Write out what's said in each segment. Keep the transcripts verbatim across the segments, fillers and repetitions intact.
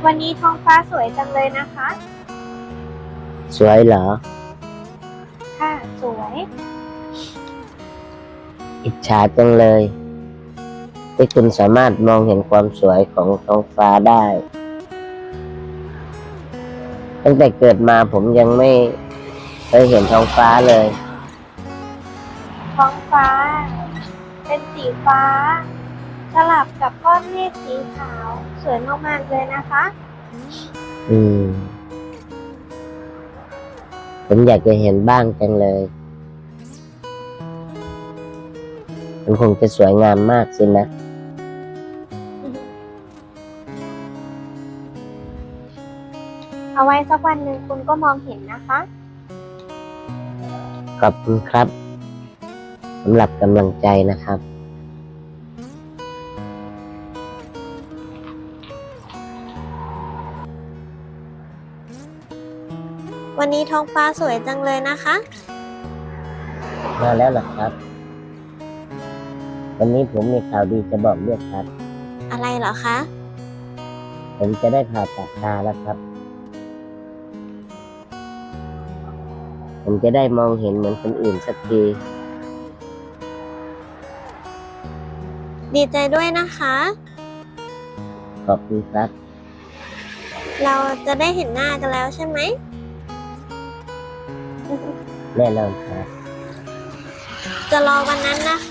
วันนี้ท้องฟ้าสวยจังเลยนะคะสวยเหรอค่ะ สวยอิจฉาจังเลยที่คุณสามารถมองเห็นความสวยของท้องฟ้าได้ ตั้งแต่เกิดมาผมยังไม่เคยเห็นท้องฟ้าเลยท้องฟ้า เป็นสีฟ้า สลับกับก้อนเมฆสีขาว สวยมากๆเลยนะคะอืม ผมอยากจะเห็นบ้างจังเลย มันคงจะสวยงามมากสินะเอาไว้สักวันหนึ่งคุณก็มองเห็นนะคะขอบคุณครับสำหรับกำลังใจนะครับวันนี้ท้องฟ้าสวยจังเลยนะคะมาแล้วเหรอครับ วันนี้ผมมีข่าวดีจะบอกด้วยครับอะไรเหรอคะผมจะได้ผ่าตัดตาแล้วครับ ผมจะได้มองเห็นเหมือนคนอื่นสักทีดีใจด้วยนะคะขอบคุณครับเราจะได้เห็นหน้ากันแล้วใช่ไหมแน่นอนครับจะรอวันนั้นนะคะ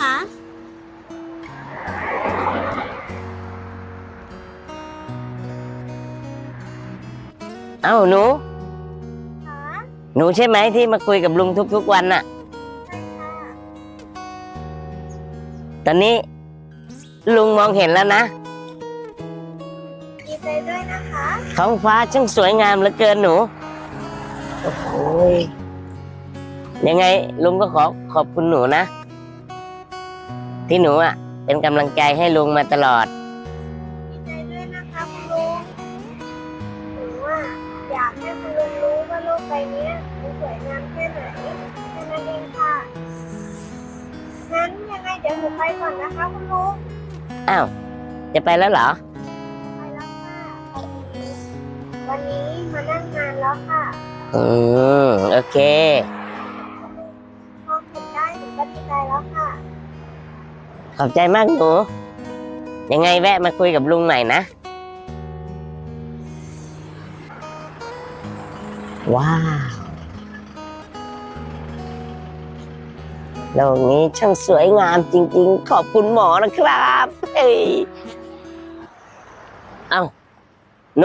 เอ้าหนูค่ะหนูใช่ไหมที่มาคุยกับลุงทุกๆวันน่ะใช่ค่ะตอนนี้ลุงมองเห็นแล้วนะดีใจด้วยนะคะท้องฟ้าช่างสวยงามเหลือเกินหนู โอ้โหยยังไงลุงก็ขอขอบคุณหนูนะ ที่หนูอ่ะ เป็นกำลังใจให้ลุงมาตลอดดีใจด้วยนะคะคุณลุงหนูว่าอยากให้คุณลุงรู้ว่าโลกใบนี้มันสวยงามแค่ไหนแค่นั้นเองค่ะงั้นยังไงเดี๋ยวหนูไปก่อนนะคะคุณลุงอ้าว จะไปแล้วเหรอไปแล้วค่ะพอดีวันนี้มานั่งงานแล้วค่ะอืม โอเคมองเห็นได้หนูก็ดีใจแล้วค่ะขอบใจมากหนู ยังไงแวะมาคุยกับลุงหน่อยนะ ว้าวโลกนี้ช่างสวยงามจริงๆ ขอบคุณหมอนะครับเฮ้ยเอ้า หนู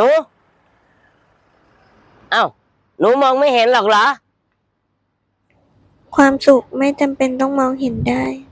เอ้า หนูมองไม่เห็นหรอกเหรอความสุขไม่จำเป็นต้องมองเห็นได้